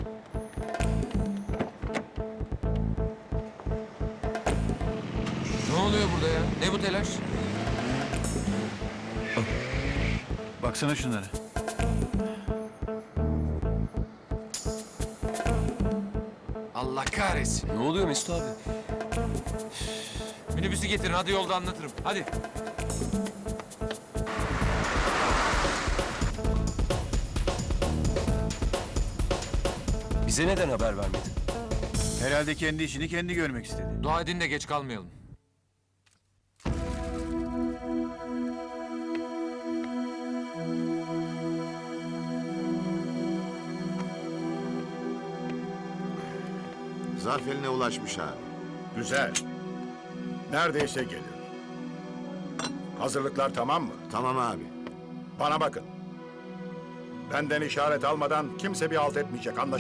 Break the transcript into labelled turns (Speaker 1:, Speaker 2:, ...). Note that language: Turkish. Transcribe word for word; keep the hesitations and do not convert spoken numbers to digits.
Speaker 1: Ne oluyor burada ya? Ne bu telaş?
Speaker 2: Baksana şunlara.
Speaker 1: Allah kahretsin.
Speaker 3: Ne oluyor Mesut abi?
Speaker 1: Minibüsü getirin, hadi yolda anlatırım. Hadi.
Speaker 3: Bize neden haber vermedin?
Speaker 2: Herhalde kendi işini kendi görmek istedi.
Speaker 1: Dua edin de geç kalmayalım.
Speaker 4: Zarf eline ulaşmış abi.
Speaker 5: Güzel. Neredeyse gelir. Hazırlıklar tamam mı?
Speaker 4: Tamam abi.
Speaker 5: Bana bakın. Benden işaret almadan kimse bir halt etmeyecek. Anlaşıldı.